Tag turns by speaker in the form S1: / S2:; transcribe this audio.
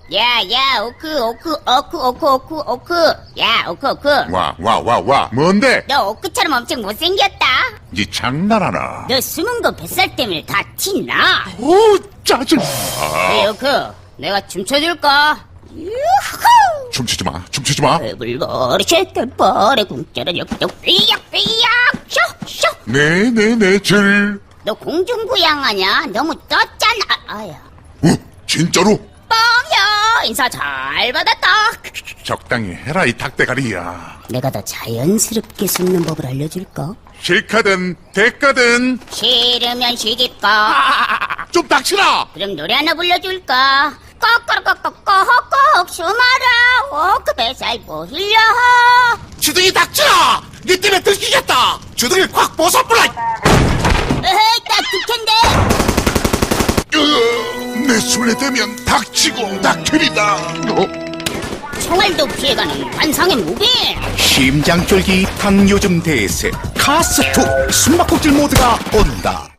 S1: 야, 오크. 야, 오크.
S2: 와, 뭔데?
S1: 너 오크처럼 엄청 못생겼다.
S2: 니 장난하나?
S1: 너 숨은 거 뱃살 때문에 다 티나.
S2: 오, 짜증.
S1: 야, 오크, 내가 춤춰줄까? 유후!
S2: 춤추지 마.
S1: 배불머리 쉐끌버리 궁짜라 역적 삐약, 쇼.
S2: 네,
S1: 너 공중부양하냐? 너무 떴잖아. 아야.
S2: 진짜로?
S1: 뻥이야. 인사 잘 받았다.
S2: 적당히 해라, 이 닭대가리야.
S1: 내가 더 자연스럽게 숨는 법을 알려줄까?
S2: 실카든, 대가든,
S1: 싫으면 시집가.
S2: 좀 닥치라!
S1: 그럼 노래 하나 불러줄까? 꺽꺽꺽꺽꺽꺽 숨어라. 오크 뱃살 보일려.
S2: 주둥이 닥치라! 니 때문에 들키겠다! 주둥이 콱 벗어버려!
S1: 에헤이, 딱 득캔데.
S2: 내 술래 되면 닥치고 닥터리다.
S1: 총알도 피해가는 관상의 무빙.
S3: 심장쫄기 당요즘 대세 카스2 숨바꼭질 모드가 온다.